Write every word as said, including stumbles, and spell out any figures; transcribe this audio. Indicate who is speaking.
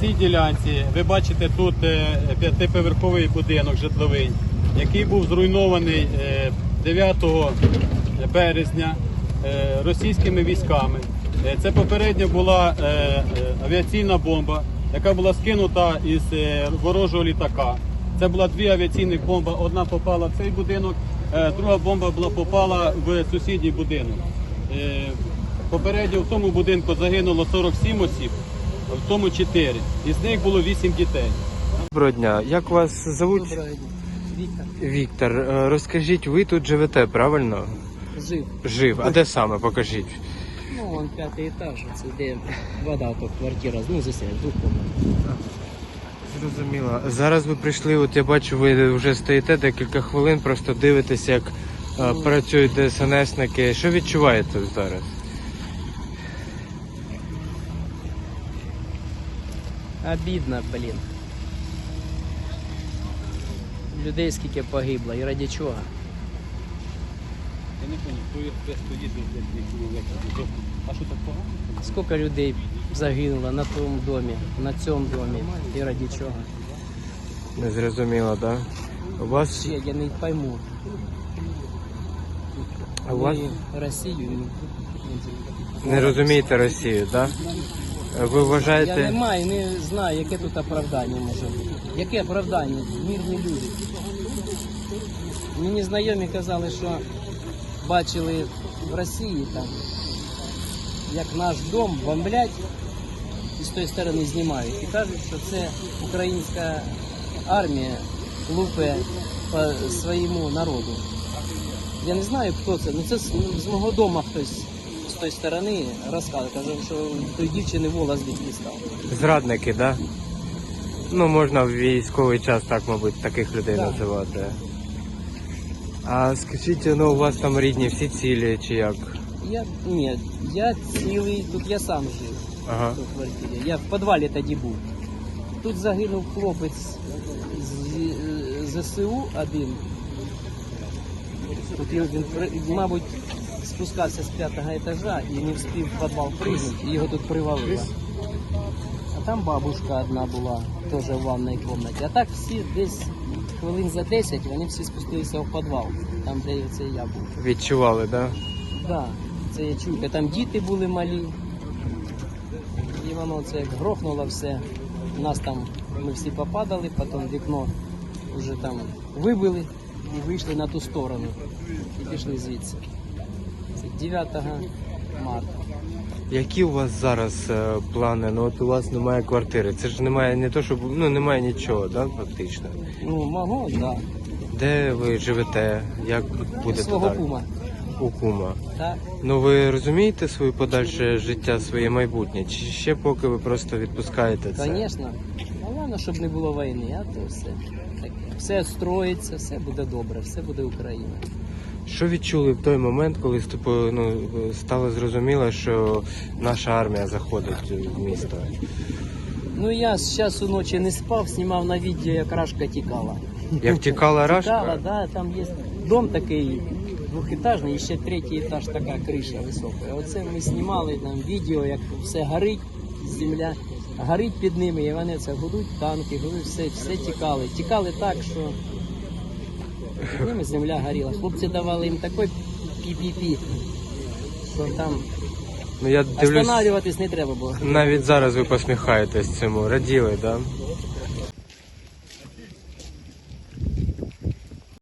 Speaker 1: цій ділянці ви бачите тут п'ятиповерховий будинок житловий, який був зруйнований дев'ятого березня російськими військами. Це попередньо була авіаційна бомба, яка була скинута із ворожого літака. Це була дві авіаційні бомби, одна попала в цей будинок, друга бомба була попала в сусідній будинок. Попередньо в тому будинку загинуло сорок сім осіб, в тому чотири. Із них було вісім дітей.
Speaker 2: Доброго дня. Як вас звуть?
Speaker 3: Доброго дня. Віктор.
Speaker 2: Віктор. Розкажіть, ви тут живете, правильно?
Speaker 3: Жив.
Speaker 2: Жив. А де саме? Покажіть.
Speaker 3: Ну, вон п'ятий етаж, це де вода, то квартира, ну, засяє, двохкомнатна.
Speaker 2: Зрозуміло. Зараз ви прийшли, от я бачу, ви вже стоїте декілька хвилин, просто дивитесь, як а, працюють ДСНСники. Що відчуваєте зараз?
Speaker 3: Обідно, блін. Людей скільки погибло, і раді чого?
Speaker 1: Я не пам'ятаю, хто стоїть десь. А що так погано?
Speaker 3: Скільки людей загинуло на тому домі, на цьому домі, і раді чого?
Speaker 2: Не зрозуміло, так? Да? У вас...
Speaker 3: Ще я не пойму.
Speaker 2: А у вас...
Speaker 3: Ми Росію...
Speaker 2: Не розумієте Росію, так? Да? Ви вважаєте...
Speaker 3: Я не маю, не знаю, яке тут оправдання може бути. Яке оправдання? Мирні люди. Мені знайомі казали, що бачили в Росії там, як наш дом бомблять і з тої сторони знімають. І кажуть, що це українська армія лупе по своєму народу. Я не знаю, хто це, ну це з, з мого дому хтось з тої сторони розказує. Каже, що той дівчини волос звідки став.
Speaker 2: Зрадники, так? Да? Ну, можна в військовий час так, мабуть, таких людей
Speaker 3: Так.
Speaker 2: називати. А скажіть, ну у вас там рідні всі цілі чи як?
Speaker 3: Я, ні, я цілий, тут я сам жив,
Speaker 2: Ага.
Speaker 3: в квартирі. Я в підвалі тоді був. Тут загинув хлопець з ЗСУ один. Тут він, він, мабуть, спускався з п'ятого етажа і не встиг в підвал пригнути, і його тут привалило. А там бабушка одна була, теж в ванній кімнаті. А так всі десь хвилин за десять вони всі спустилися в підвал, там де це я був.
Speaker 2: Відчували, так? Да?
Speaker 3: Так, це я чую. Там діти були малі. І воно це як грохнуло все. Нас там, ми всі попадали, потім вікно вже там вибили і вийшли на ту сторону. І пішли звідси. Це дев'ятого марта.
Speaker 2: Які у вас зараз е, плани? Ну от у вас немає квартири. Це ж немає не то, щоб ну немає нічого, да, фактично.
Speaker 3: Ну, мого, так. Да.
Speaker 2: Де ви живете? Як будете
Speaker 3: Свого
Speaker 2: далі?
Speaker 3: кума.
Speaker 2: У кума.
Speaker 3: Так.
Speaker 2: Ну ви розумієте своє подальше життя, своє майбутнє? Чи ще поки ви просто відпускаєте це?
Speaker 3: Звісно. Головне, щоб не було війни, а то все. Таке. Все строїться, все буде добре, все буде Україна.
Speaker 2: Що відчули в той момент, коли ступо, ну, стало зрозуміло, що наша армія заходить в місто?
Speaker 3: Ну я з часу ночі не спав, знімав на відео, як Рашка тікала.
Speaker 2: Як тікала Рашка?
Speaker 3: Тікала, да, там є дом такий двохетажний, і ще третій етаж, така криша висока. Оце ми знімали там відео, як все горить, земля горить під ними, і вони це гудуть, танки, гудуть, все, все тікали. Тікали так, що під ними земля горіла. Хлопці давали їм такий пі-пі-пі, що там
Speaker 2: Ну я дивлюсь,
Speaker 3: останавливатись не треба було.
Speaker 2: навіть зараз ви посміхаєтесь цьому, раділи, так? Да?